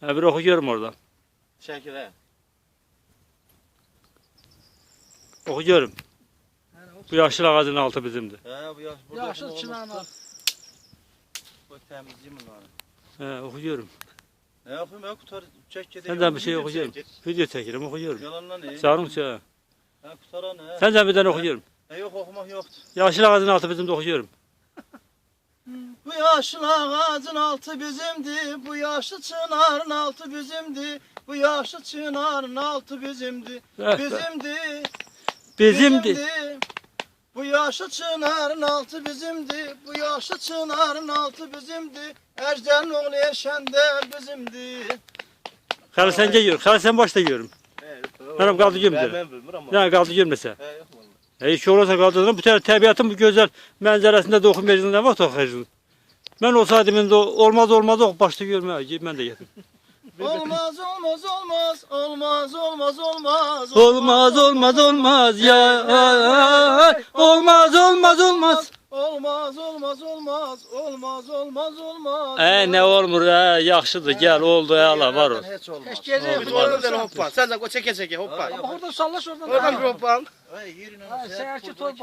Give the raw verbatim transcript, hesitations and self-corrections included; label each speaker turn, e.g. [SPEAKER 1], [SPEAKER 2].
[SPEAKER 1] Ha, bir okuyorum oradan.
[SPEAKER 2] Şəkil hə.
[SPEAKER 1] Okuyorum. Bu yaşlı ağacın altı bizimdir.
[SPEAKER 2] Hə, bu yaş burada.
[SPEAKER 3] Yaşıl çınarın altı.
[SPEAKER 2] Bu təmizliyim bunları.
[SPEAKER 1] He, okuyorum.
[SPEAKER 2] Ne yapayım ya kutar çek gedeyim.
[SPEAKER 1] Senden bir şey okuyorum. Video çekelim, okuyorum.
[SPEAKER 2] Yalanla ne?
[SPEAKER 1] Sarım çağı.
[SPEAKER 2] Ha kutara ne?
[SPEAKER 1] Senden bir tane okuyorum.
[SPEAKER 2] E yok okumak yoktu.
[SPEAKER 1] Yaşlı ağacın altı bizimde okuyorum.
[SPEAKER 2] Bu yaşlı ağacın altı bizimdi, bu yaşlı çınarın altı bizimdi, bu yaşlı çınarın altı bizimdi,
[SPEAKER 1] Eh,
[SPEAKER 2] bizimdi,
[SPEAKER 1] Bizimdi.
[SPEAKER 2] Bu yaşlı çınarın altı bizimdi, bu yaşlı çınarın altı bizimdi, Ejder'in oğlu Erşen de bizimdi.
[SPEAKER 1] Xəli sen geliyor. Xəli sen başta yiyorum. Benim kaldı gömdü.
[SPEAKER 2] Ben bilmirəm.
[SPEAKER 1] Ne kaldı gömdese.
[SPEAKER 2] He yok vallahi.
[SPEAKER 1] E, hiç olursa kaldığında bu tane tabiatın bu güzel manzarasında da okumayacaksın. Ne vakit okuyacaksın? Ben olsaydım indi olmaz olmaz ok başta görmeye. Ben de yedim.
[SPEAKER 2] Olmaz olmaz olmaz olmaz olmaz olmaz
[SPEAKER 1] Olmaz olmaz olmaz ya. Olmaz olmaz olmaz.
[SPEAKER 2] olmaz olmaz olmaz olmaz olmaz olmaz.
[SPEAKER 1] E ne olmur ha yaxşıdır gel oldu ala var ol.
[SPEAKER 2] Hiç olmaz.
[SPEAKER 3] Hiç gece
[SPEAKER 1] Oldu,
[SPEAKER 3] yok.
[SPEAKER 2] hoppa. Sen de çeke çeke hoppa.
[SPEAKER 3] Ama oradan sallaş oradan.
[SPEAKER 2] Oradan bir hoppa.
[SPEAKER 3] Ha, seyahatçi torba.